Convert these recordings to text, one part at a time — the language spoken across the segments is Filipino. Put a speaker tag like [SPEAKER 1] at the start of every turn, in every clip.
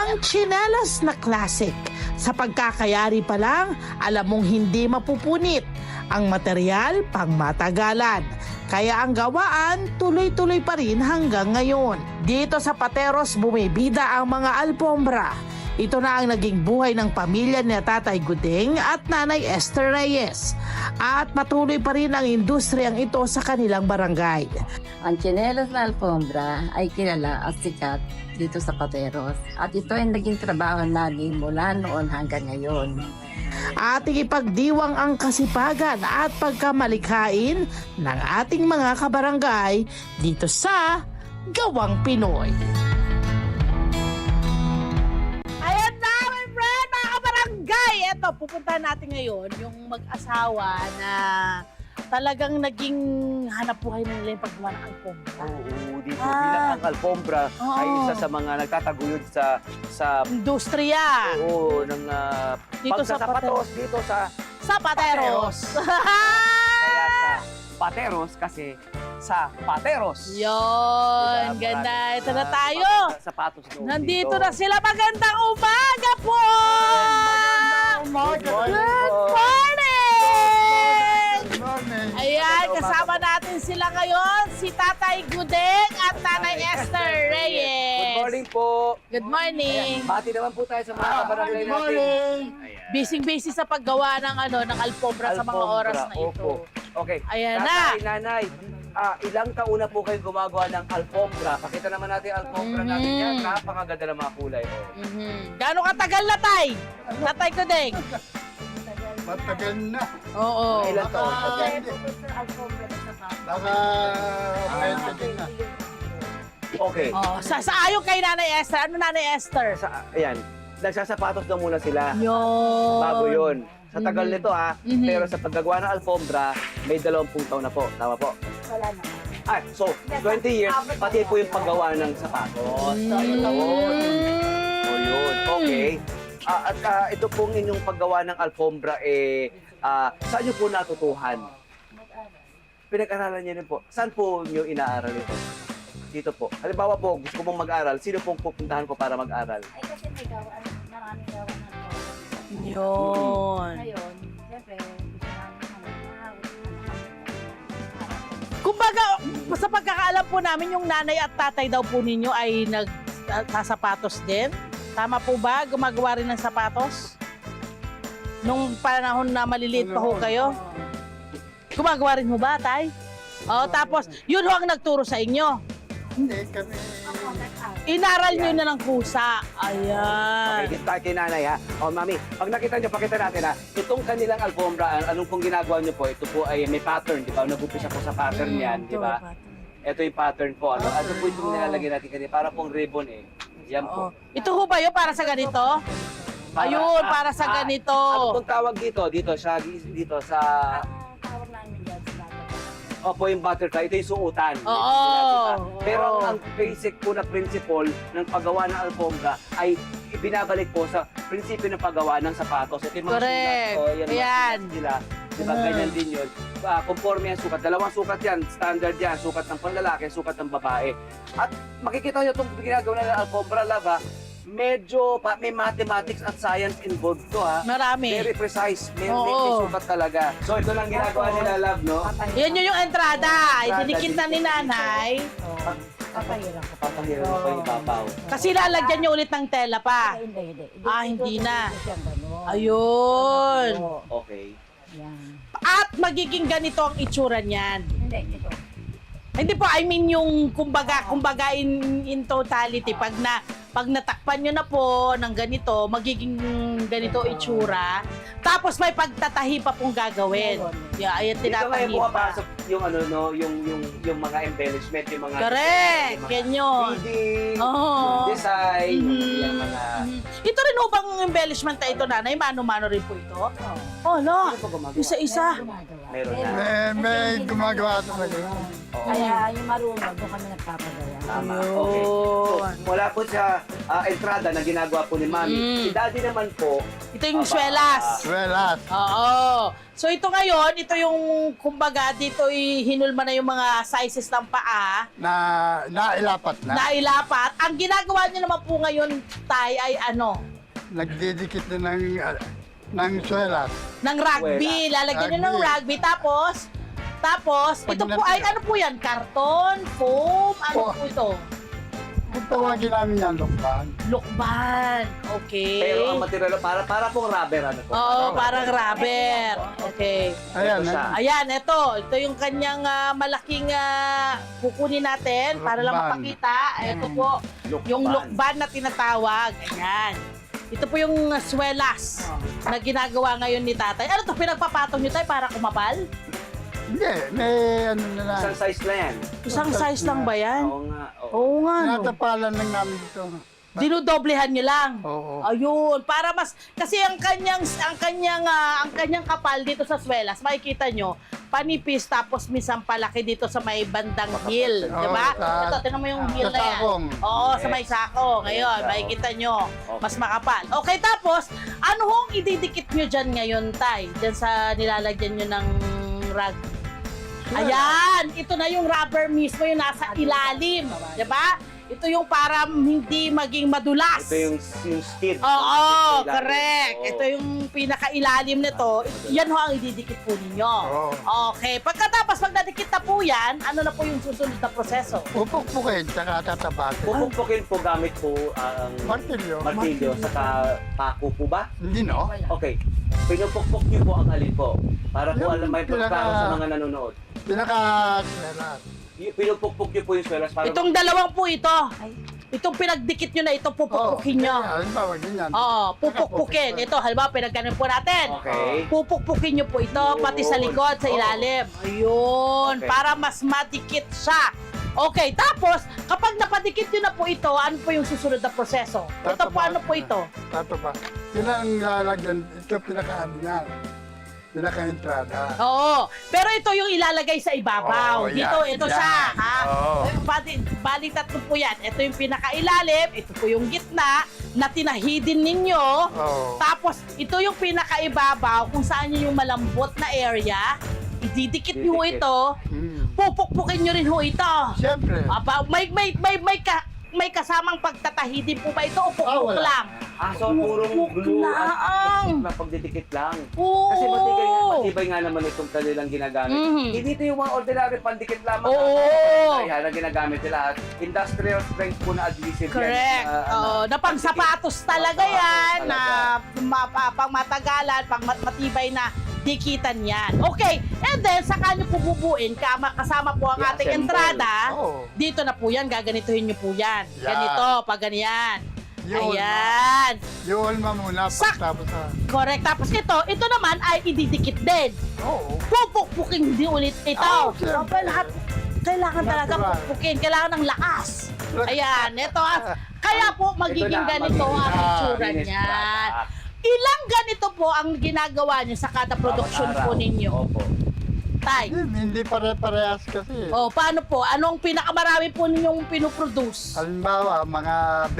[SPEAKER 1] Ang tsinelas na classic. Sa pagkakayari pa lang, alam mong hindi mapupunit. Ang material, pang matagalan. Kaya ang gawaan, tuloy-tuloy pa rin hanggang ngayon. Dito sa Pateros, bumibida ang mga alpombra. Ito na ang naging buhay ng pamilya ni Tatay Gudeng at Nanay Esther Reyes. At patuloy pa rin ang industriyang ito sa kanilang barangay.
[SPEAKER 2] Ang tsinelas na alfombra ay kilala at sikat dito sa Pateros. At ito ay naging trabaho namin mula noon hanggang ngayon.
[SPEAKER 1] Ating ipagdiwang ang kasipagan at pagkamalikhain ng ating mga kabarangay dito sa Gawang Pinoy. Ayan na, my friend, mga kabarangay! Eto, pupuntahan natin ngayon yung mag-asawa na talagang naging hanap buhay na nila yung paggawa ng alpombra.
[SPEAKER 3] Oo, dito bilang ang alfombra ay isa sa mga nagtataguyod sa
[SPEAKER 1] Industriya.
[SPEAKER 3] oo, ng
[SPEAKER 1] Dito sa
[SPEAKER 3] pagsasapatos dito sa
[SPEAKER 1] Pateros.
[SPEAKER 3] kaya sa Pateros kasi sa Pateros.
[SPEAKER 1] Yon,
[SPEAKER 3] Diba?
[SPEAKER 1] ganda.
[SPEAKER 3] Maraming,
[SPEAKER 1] Ito na tayo.
[SPEAKER 3] sapatos doon
[SPEAKER 1] Nandito
[SPEAKER 3] dito.
[SPEAKER 1] na sila. Magandang umaga po!
[SPEAKER 3] Good morning
[SPEAKER 1] Good
[SPEAKER 3] po.
[SPEAKER 1] morning! Ayan, kasama natin sila ngayon, si Tatay Gudeng at Nanay Esther Reyes.
[SPEAKER 3] Good morning po.
[SPEAKER 1] Good morning.
[SPEAKER 3] Bati naman po tayo sa mga kabarangay natin.
[SPEAKER 1] Busy-busy sa paggawa ng alpombra sa mga
[SPEAKER 3] Alfombra,
[SPEAKER 1] oras na ito.
[SPEAKER 3] opo. Okay.
[SPEAKER 1] Ayan
[SPEAKER 3] Tatay, nanay, ilang taon na po kayo gumagawa ng alfombra? Pakita naman natin yung alfombra natin yan. Napakaganda ng mga kulay. Oh.
[SPEAKER 1] Gano'ng katagal na, Tay? Tatay Gudeng?
[SPEAKER 4] Matagal na.
[SPEAKER 1] Oo.
[SPEAKER 3] Ilang taon pa dyan?
[SPEAKER 4] Baka 20 din na.
[SPEAKER 3] Okay.
[SPEAKER 1] Oh, sa ayaw kay Nanay Esther. Ano Nanay Esther?
[SPEAKER 3] Ayan, nagsasapatos daw muna sila.
[SPEAKER 1] Yun.
[SPEAKER 3] Bago yun. Sa tagal nito
[SPEAKER 1] Mhm.
[SPEAKER 3] pero sa paggagawa ng alfombra, may 20 taon na po. Tama po?
[SPEAKER 2] Wala na.
[SPEAKER 3] So 20 years, pati po yung paggawa ng sapatos. So yun, okay. At ito pong inyong paggawa ng alfombra, saan nyo po natutuhan? Pinag-aralan niyo rin po. Saan po nyo inaaral ito? Dito po. Halimbawa po, gusto ko mong mag-aral, sino pong pupuntahan ko para mag-aral?
[SPEAKER 5] Ay, kasi may gawaan, maraming gawaan na to.
[SPEAKER 1] Yun.
[SPEAKER 5] Ngayon, siyempre, gusto namin
[SPEAKER 1] Kumbaga, sa pagkakaalam po namin, yung nanay at tatay daw po ninyo ay nagsasapatos din. Tama po ba? Gumagawa rin ng sapatos? Nung panahon na maliliit pa ho kayo? Gumagawa rin mo ba, tay? O, tapos, yun ho ang nagturo sa inyo.
[SPEAKER 4] Hindi kami.
[SPEAKER 1] Inaral nyo na ng kusa. Ayan.
[SPEAKER 3] Okay, dito tayo kay nanay ha. O mami, pag nakita nyo, pakita natin ha. Itong kanilang alfombra, anong pong ginagawa nyo po? Ito po ay may pattern, di ba? Nag-upisa po sa pattern yan, di ba? Ito yung pattern po. Ano po itong nilalagay natin kanina? Para pong ribbon eh. Yan po.
[SPEAKER 1] Ito ho ba yun para sa ganito? Ayun, para sa ganito.
[SPEAKER 3] Ano pong tawag dito? Dito sa
[SPEAKER 5] tawag namin dyan sa lahat.
[SPEAKER 3] Opo, yung butterfly. Ito yung suotan.
[SPEAKER 1] Oo.
[SPEAKER 3] Pero ang basic po na principle ng paggawa ng alfombra ay ibinabalik po sa prinsipyo ng paggawa ng sapatos. Ito yung mga
[SPEAKER 1] Correct.
[SPEAKER 3] sulat. O, yan,
[SPEAKER 1] Ayan.
[SPEAKER 3] mga sulat nila. Diba, ganyan din yun. Conforme ang sukat. Dalawang sukat yan. Standard yan. Sukat ng panlalaki, sukat ng babae. At makikita nyo itong ginagawa ng alfombra, lava, medyo may mathematics at science involved to ha.
[SPEAKER 1] Marami.
[SPEAKER 3] Very precise. May
[SPEAKER 1] Oo.
[SPEAKER 3] sukat talaga. So ito lang ginagawa nila, love, no?
[SPEAKER 1] Yan yung entrada. Idinikit na ni nanay.
[SPEAKER 5] Papahirap ko.
[SPEAKER 3] Papahirap mo pa yung ibabaw.
[SPEAKER 1] Kasi lalagyan nyo ulit ng tela pa.
[SPEAKER 5] Hindi.
[SPEAKER 1] Hindi na.
[SPEAKER 5] Siyang gano'n.
[SPEAKER 1] Ayun.
[SPEAKER 3] Okay.
[SPEAKER 5] Yan.
[SPEAKER 1] At magiging ganito ang itsura niyan.
[SPEAKER 5] Hindi, ito.
[SPEAKER 1] Hindi po, I mean yung kumbaga in totality, pag natakpan nyo na po ng ganito, magiging ganito itsura. Tapos may pagtatahi pa pong gagawin. Yeah, ayan,
[SPEAKER 3] Dito ngayon
[SPEAKER 1] tinatahi pa.
[SPEAKER 3] pumapasok yung ano no, yung mga embellishment, yung mga
[SPEAKER 1] Correct,
[SPEAKER 3] yung mga
[SPEAKER 1] yan yun.
[SPEAKER 3] reading,
[SPEAKER 1] Oo.
[SPEAKER 3] yung design,
[SPEAKER 1] Mhm.
[SPEAKER 3] yung mga
[SPEAKER 1] Ito rin ho bang embellishment na ito, nanay? Mano-mano rin po ito? Oh, no.
[SPEAKER 3] Ano pa gumagawa?
[SPEAKER 1] Isa-isa.
[SPEAKER 5] Gumagawa.
[SPEAKER 3] Meron na.
[SPEAKER 4] May gumagawa talaga yun.
[SPEAKER 5] Kaya yung marunong, doon kami nagpapagaya.
[SPEAKER 3] Tama. Okay. So, mula po sa entrada na ginagawa po ni Mami, si Daddy naman po,
[SPEAKER 1] Ito yung swelas.
[SPEAKER 4] Welas.
[SPEAKER 1] Oo. So ito ngayon, ito yung kumbaga dito hinulma na yung mga sizes ng paa.
[SPEAKER 4] Nailapat na.
[SPEAKER 1] Nailapat. Ang ginagawa niyo naman po ngayon, Tay, ay ano?
[SPEAKER 4] Nagdidikit na ng swelas.
[SPEAKER 1] Ng rugby. Lalagyan niyo ng rugby. Tapos,
[SPEAKER 4] Pag
[SPEAKER 1] ito po ay
[SPEAKER 4] natira.
[SPEAKER 1] ano po yan? Karton? Foam? Ano
[SPEAKER 4] Po.
[SPEAKER 1] po ito?
[SPEAKER 4] Kung tawagin namin yan, lukban.
[SPEAKER 1] Lukban. Okay.
[SPEAKER 3] pero ang material, para pong rubber, ano po?
[SPEAKER 1] Oo, parang rubber. Okay.
[SPEAKER 4] Ayan,
[SPEAKER 3] Ito siya.
[SPEAKER 1] Ayan, ito. Ito yung kanyang malaking kukunin natin para lang
[SPEAKER 4] Lukban.
[SPEAKER 1] mapakita. Ito po, yung lukban na tinatawag. Ayan. Ito po yung swelas na ginagawa ngayon ni tatay. Ano to, pinagpapatong nyo tayo para kumapal?
[SPEAKER 4] Hindi, may ano na lang.
[SPEAKER 3] Isang size na yan.
[SPEAKER 1] Isang size lang ba yan?
[SPEAKER 3] Oo nga. oo.
[SPEAKER 1] Oo nga, no.
[SPEAKER 4] Tinatapalan lang namin dito.
[SPEAKER 1] Dinudoblehan nyo lang.
[SPEAKER 4] Oo.
[SPEAKER 1] Ayun, para mas kasi ang kanyang kapal dito sa swelas, makikita nyo, panipis tapos minsan palaki dito sa may bandang heel,
[SPEAKER 4] Oo,
[SPEAKER 1] di ba?
[SPEAKER 4] sa-
[SPEAKER 1] Ito, tingnan mo yung heel
[SPEAKER 4] sa
[SPEAKER 1] na yan.
[SPEAKER 4] sakong.
[SPEAKER 1] Oo, sa may sako. Ngayon,
[SPEAKER 3] Yes,
[SPEAKER 1] makikita nyo,
[SPEAKER 3] Okay.
[SPEAKER 1] mas makapal. Okay, tapos, ano hong ididikit nyo dyan ngayon, Tay? Dyan sa nilalagyan nyo ng rug. Ayan, ito na yung rubber mismo yung nasa ilalim, di ba? Ito yung para hindi maging madulas.
[SPEAKER 3] Ito yung skid.
[SPEAKER 1] Oo,
[SPEAKER 3] Yung skid sa ilalim.
[SPEAKER 1] correct.
[SPEAKER 3] Oo.
[SPEAKER 1] Ito yung pinakailalim nito. Yan ho ang ididikit po ninyo.
[SPEAKER 4] Oo.
[SPEAKER 1] Okay. Pagkatapos, pag nadikit na po yan, ano na po yung susunod na proseso?
[SPEAKER 4] Pupukpukin, tsaka tatabasin.
[SPEAKER 3] Pupukpukin po gamit po ang
[SPEAKER 4] Martilyo.
[SPEAKER 3] martilyo, saka pako po ba?
[SPEAKER 4] Hindi, no?
[SPEAKER 3] Okay. Pinupukpok niyo po ang alin po. Para po
[SPEAKER 4] Yung
[SPEAKER 3] alam may
[SPEAKER 4] pinaka-
[SPEAKER 3] pagkaro sa mga nanonood.
[SPEAKER 4] Pinaka-swelas.
[SPEAKER 3] Pinupukpok niyo po yung swelas para...
[SPEAKER 1] Itong dalawang po ito. Itong pinagdikit nyo na ito, pupukpukin nyo.
[SPEAKER 4] Halimbawa, ganyan.
[SPEAKER 1] Oo, pupukpukin. Ito, halimbawa, pinagkanan po natin.
[SPEAKER 3] Okay.
[SPEAKER 1] Pupukpukin nyo po ito,
[SPEAKER 3] Yun.
[SPEAKER 1] pati sa likod, sa
[SPEAKER 3] Oo.
[SPEAKER 1] ilalim. Ayun,
[SPEAKER 3] Okay.
[SPEAKER 1] para mas madikit siya. Okay, tapos, kapag napadikit nyo na po ito, ano po yung susunod na proseso? Ito po, ano po ito?
[SPEAKER 4] Tataba. Yun ang lalagyan. Ito pinaka-ano yan. Pinaka-entrada.
[SPEAKER 1] Oo, pero ito yung ilalagay sa ibabaw.
[SPEAKER 4] Oo,
[SPEAKER 1] Dito,
[SPEAKER 4] yan,
[SPEAKER 1] ito
[SPEAKER 4] yan.
[SPEAKER 1] siya, ha?
[SPEAKER 4] Oo.
[SPEAKER 1] Bali tatlo po yan. Ito yung pinakailalim, ito po yung gitna, na tinahidin ninyo.
[SPEAKER 4] Oo.
[SPEAKER 1] Tapos, ito yung pinakaibabaw, kung saan yun yung malambot na area. Ididikit nyo
[SPEAKER 3] Didikit.
[SPEAKER 1] ito,
[SPEAKER 4] Hmm.
[SPEAKER 1] pupukpukin nyo rin ho ito.
[SPEAKER 4] Siyempre.
[SPEAKER 1] Aba, may kasamang pagtatahidin po ba ito o pukpuk
[SPEAKER 4] wala.
[SPEAKER 1] lang?
[SPEAKER 3] So purong
[SPEAKER 1] Pupukpuk
[SPEAKER 3] glue
[SPEAKER 1] lang.
[SPEAKER 3] at pagdidikit lang.
[SPEAKER 1] Oo.
[SPEAKER 3] Kasi matibay nga naman itong kanilang ginagamit.
[SPEAKER 1] Mhm.
[SPEAKER 3] Hindi ito yung mga ordinary pandikit lamang.
[SPEAKER 1] Oo.
[SPEAKER 3] Kaya na ginagamit nila. At industrial strength po na adhesive
[SPEAKER 1] Correct.
[SPEAKER 3] yan.
[SPEAKER 1] Oo, na pang sapatos talaga
[SPEAKER 3] Sapatos
[SPEAKER 1] yan, na
[SPEAKER 3] talaga.
[SPEAKER 1] pang matagalan, pang matibay na dikitan yan. Okay, and then saka nyo po bubuin, kasama po ang ating
[SPEAKER 3] I-assemble.
[SPEAKER 1] entrada.
[SPEAKER 4] Oo.
[SPEAKER 1] Dito na po yan, gaganituhin nyo po yan.
[SPEAKER 4] Yan.
[SPEAKER 1] Ganito, pag ganyan.
[SPEAKER 4] Yun,
[SPEAKER 1] Ayan.
[SPEAKER 4] Yun muna
[SPEAKER 1] Sak-
[SPEAKER 4] pagtapos sa...
[SPEAKER 1] Correct. Tapos ito naman ay ididikit din.
[SPEAKER 4] Oo.
[SPEAKER 1] Pupukpukin din ulit ito.
[SPEAKER 4] Oo, siyempre.
[SPEAKER 1] Aba, lahat, kailangan talaga
[SPEAKER 4] Natural.
[SPEAKER 1] pukpukin. Kailangan ng lakas. Ayan, ito. Kaya po, magiging
[SPEAKER 3] Ito na,
[SPEAKER 1] ganito ang
[SPEAKER 3] magiging
[SPEAKER 1] itsura
[SPEAKER 3] linis
[SPEAKER 1] niyan.
[SPEAKER 3] product.
[SPEAKER 1] Ilang ganito po ang ginagawa niyo sa kada production
[SPEAKER 3] Bawat
[SPEAKER 1] po
[SPEAKER 3] araw.
[SPEAKER 1] ninyo?
[SPEAKER 3] Opo.
[SPEAKER 1] Tay.
[SPEAKER 4] Hindi pare-parehas kasi.
[SPEAKER 1] O, paano po? Anong pinakamarami po ninyong pinoproduce?
[SPEAKER 4] Halimbawa, mga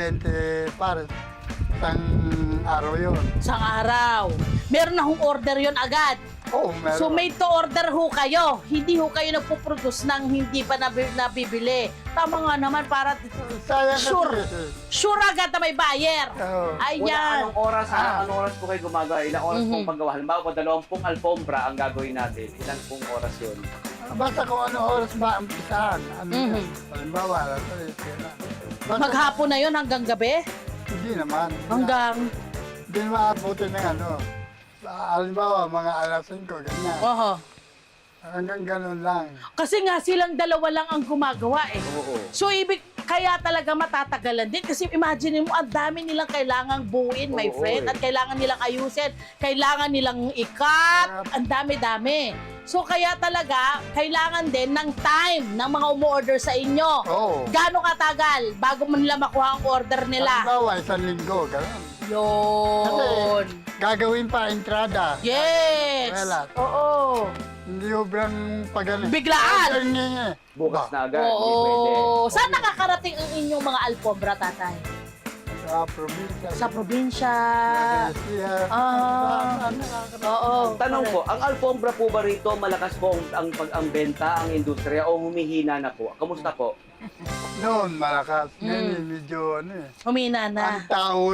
[SPEAKER 4] 20 pares. Isang araw yun.
[SPEAKER 1] Isang araw. Meron na hong order yon agad.
[SPEAKER 4] Oo, meron.
[SPEAKER 1] So made to order ho kayo. Hindi ho kayo nagpo-produce ng hindi pa nabibili. Tama nga naman para
[SPEAKER 4] Sayang
[SPEAKER 1] Sure.
[SPEAKER 4] kasi.
[SPEAKER 1] sure agad na may buyer.
[SPEAKER 4] Oo.
[SPEAKER 1] Ayan.
[SPEAKER 3] Anong oras po kayo gumagawa? Ilang oras pong paggawa? Halimbawa po, 20 alfombra ang gagawin natin. Ilang pong oras yun?
[SPEAKER 4] Basta kung ano oras ba ang pisahan. Ano
[SPEAKER 1] Mhm.
[SPEAKER 4] yan. Halimbawa, alas 3, kailan. Basta-
[SPEAKER 1] Maghapon na yon hanggang gabi?
[SPEAKER 4] Hindi naman.
[SPEAKER 1] Hanggang...
[SPEAKER 4] Hindi naman abutin ng ano. Halimbawa, mga alas 5, ganyan.
[SPEAKER 1] Oho.
[SPEAKER 4] Hanggang ganun lang.
[SPEAKER 1] Kasi nga silang dalawa lang ang gumagawa eh.
[SPEAKER 3] Oo.
[SPEAKER 1] So ibig kaya talaga matatagalan din kasi imagine mo ang dami nilang kailangang buuin, my
[SPEAKER 3] Oo,
[SPEAKER 1] friend,
[SPEAKER 3] eh.
[SPEAKER 1] at kailangan nilang ayusin, kailangan nilang ikat, ang dami-dami. So kaya talaga kailangan din ng time ng mga umu-order sa inyo.
[SPEAKER 4] Oo.
[SPEAKER 1] Gaano katagal bago mo nila makuha ang order nila?
[SPEAKER 4] Halimbawa, 1 linggo, ganun.
[SPEAKER 1] Yun.
[SPEAKER 4] Gagawin pa entrada.
[SPEAKER 1] Yes.
[SPEAKER 4] Relat.
[SPEAKER 1] Oo.
[SPEAKER 4] Hindi obrang pagaling.
[SPEAKER 6] Biglaan.
[SPEAKER 3] Bukas na agad. Hindi pwede.
[SPEAKER 6] Oo. Saan nakakarating ang inyong mga alpombra, tatay?
[SPEAKER 4] Sa probinsya.
[SPEAKER 6] Sa probinsya.
[SPEAKER 4] Siya.
[SPEAKER 6] Ah. Oo.
[SPEAKER 3] Tanong po, ang alfombra po ba rito malakas po ang benta, ang industriya o humihina na po? Kamusta po?
[SPEAKER 4] Noon, malakas. Ngayon, medyo
[SPEAKER 6] Humina na.
[SPEAKER 4] Ang tao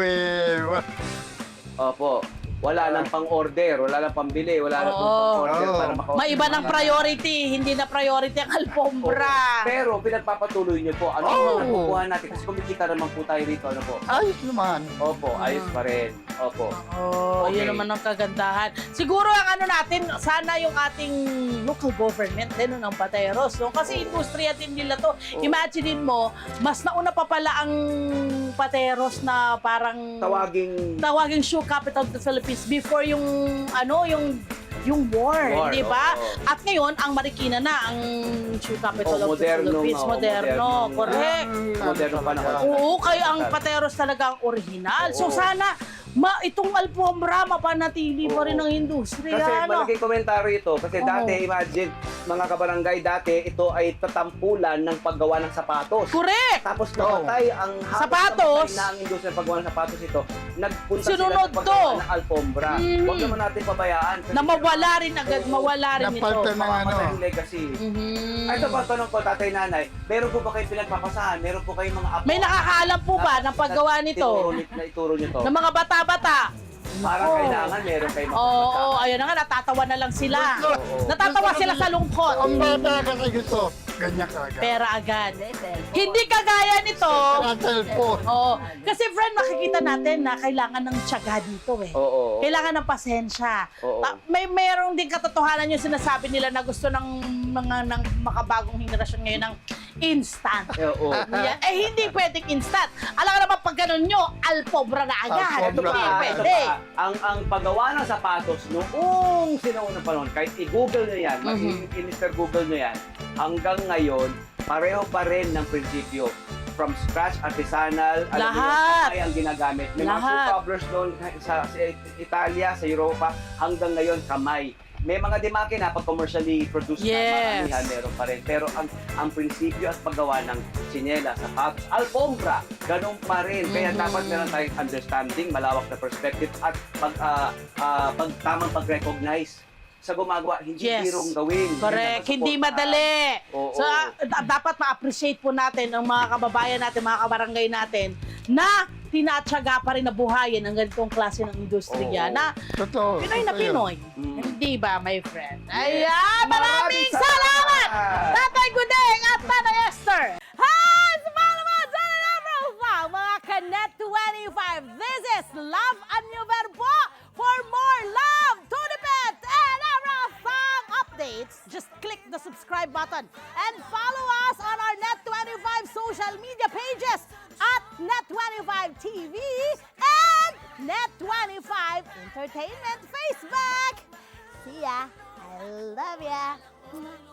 [SPEAKER 3] Opo. Wala nang pang-order, wala nang pambili, wala nang
[SPEAKER 6] Oo.
[SPEAKER 3] pang-order
[SPEAKER 4] Oo.
[SPEAKER 3] para maka-order.
[SPEAKER 6] May iba ng priority, hindi na priority ang alpombra.
[SPEAKER 3] Pero pinagpapatuloy niyo po. Ano
[SPEAKER 6] Oo.
[SPEAKER 3] ang nakukuha natin? Kasi kumikita naman po tayo rito. Ano po?
[SPEAKER 4] ayos naman.
[SPEAKER 3] Opo, ayos pa rin. Opo.
[SPEAKER 6] Oh,
[SPEAKER 3] Okay.
[SPEAKER 6] yun naman ang kagandahan. Siguro ang ano natin, sana yung ating local government din ng Pateros, no? Kasi industriya din nila to. Imagine mo, mas nauna pa pala ang Pateros na parang tawaging shoe capital of the Philippines before yung ano, yung war, di ba?
[SPEAKER 3] oo.
[SPEAKER 6] At ngayon, ang Marikina na ang shoe capital of the
[SPEAKER 3] Moderno,
[SPEAKER 6] Philippines. Moderno, correct.
[SPEAKER 3] Moderno pa naman.
[SPEAKER 6] Oo, kaya ang Pateros talaga ang original. So
[SPEAKER 3] Oo.
[SPEAKER 6] sana itong alpombra mapanatili pa rin ang industriya.
[SPEAKER 3] Kasi
[SPEAKER 6] ano?
[SPEAKER 3] malaking komentaryo ito. Kasi
[SPEAKER 6] Oo.
[SPEAKER 3] dati, imagine, mga kabarangay dati, ito ay tatampulan ng paggawa ng sapatos.
[SPEAKER 6] Correct!
[SPEAKER 3] Tapos namatay ang
[SPEAKER 6] Sapatos.
[SPEAKER 3] namatay na ang industriya ng paggawa ng sapatos ito. Nagpunta
[SPEAKER 6] Sinunod
[SPEAKER 3] sila sa paggawa
[SPEAKER 6] to.
[SPEAKER 3] ng alfombra. Huwag naman natin pabayaan. Kasi
[SPEAKER 6] Na mawala rin agad, mawala rin ito.
[SPEAKER 4] Napalta ng
[SPEAKER 3] mamamatay yung legacy.
[SPEAKER 6] Mhm.
[SPEAKER 3] Ay, ito pa, tanong ko, tatay nanay, meron po ba kayong pinagpapasahan? Meron po kayong mga apo?
[SPEAKER 6] May nakakaalam po ba ng paggawa nito?
[SPEAKER 3] Ituro nyo to.
[SPEAKER 6] Ng mga bata-bata?
[SPEAKER 3] Parang
[SPEAKER 6] Oo.
[SPEAKER 3] kailangan meron kayong
[SPEAKER 6] Oo, ayun na nga, natatawa na lang sila.
[SPEAKER 3] Oo.
[SPEAKER 6] Natatawa sila sa lungkot.
[SPEAKER 4] Ang bata kasi gusto, ganyan kagad.
[SPEAKER 6] Pera agad. Hindi kagaya nito.
[SPEAKER 4] Sa cellphone.
[SPEAKER 6] Oo. Kasi friend, makikita natin na kailangan ng tiyaga dito eh.
[SPEAKER 3] Oo.
[SPEAKER 6] Kailangan ng pasensya.
[SPEAKER 3] Oo.
[SPEAKER 6] Merong din katotohanan yung sinasabi nila na gusto ng mga ng makabagong henerasyon ngayon ng instant.
[SPEAKER 3] Oo.
[SPEAKER 6] Yeah. Eh, hindi pwedeng instant. Alam ka naman pag ganun nyo, alpobra na agad.
[SPEAKER 4] Alpobra.
[SPEAKER 6] Hindi
[SPEAKER 3] Ito
[SPEAKER 6] pwede.
[SPEAKER 3] pa, ang paggawa ng sapatos noong sinaunang panahon, kahit i-google nyo yan, Mr. Google nyo yan, hanggang ngayon, pareho pa rin ng prinsipyo. From scratch, artisanal, alam mo yun,
[SPEAKER 6] Lahat.
[SPEAKER 3] kamay ang ginagamit. May mga
[SPEAKER 6] Lahat.
[SPEAKER 3] shoe covers noon sa Italia, sa Europa, hanggang ngayon kamay. May mga dimakina pag commercially produced
[SPEAKER 6] Yes.
[SPEAKER 3] na maramihan, meron pa rin. Pero ang prinsipyo at paggawa ng tsinelas, sapatos, alfombra, ganun pa rin. Kaya dapat meron tayong understanding, malawak na perspective at tamang pag-recognize sa gumagawa. Hindi
[SPEAKER 6] Yes.
[SPEAKER 3] birong gawin.
[SPEAKER 6] Correct.
[SPEAKER 3] Yan ang
[SPEAKER 6] Hindi
[SPEAKER 3] masuportahan.
[SPEAKER 6] madali.
[SPEAKER 3] Oo.
[SPEAKER 6] So, dapat ma-appreciate po natin ang mga kababayan natin, mga kabarangay natin, na tinatsaga pa rin na buhayin ang ganitong klase ng industriya
[SPEAKER 3] Oo.
[SPEAKER 6] na
[SPEAKER 4] Totoo.
[SPEAKER 6] Pinoy na
[SPEAKER 4] totoo yun.
[SPEAKER 6] Pinoy.
[SPEAKER 3] Mm.
[SPEAKER 6] Hindi ba, my friend?
[SPEAKER 3] Yes.
[SPEAKER 6] Ayan! Maraming salamat! Tatay Gudeng at Nanay Esther! Hi! Sa mga sa mga Kanet 25, this is Love and New Verbo. For more love, Tunipet, and Arafang updates, just click the subscribe button and follow us on our Net25 social media pages at Net25 TV and Net25 Entertainment Facebook. See ya. I love ya.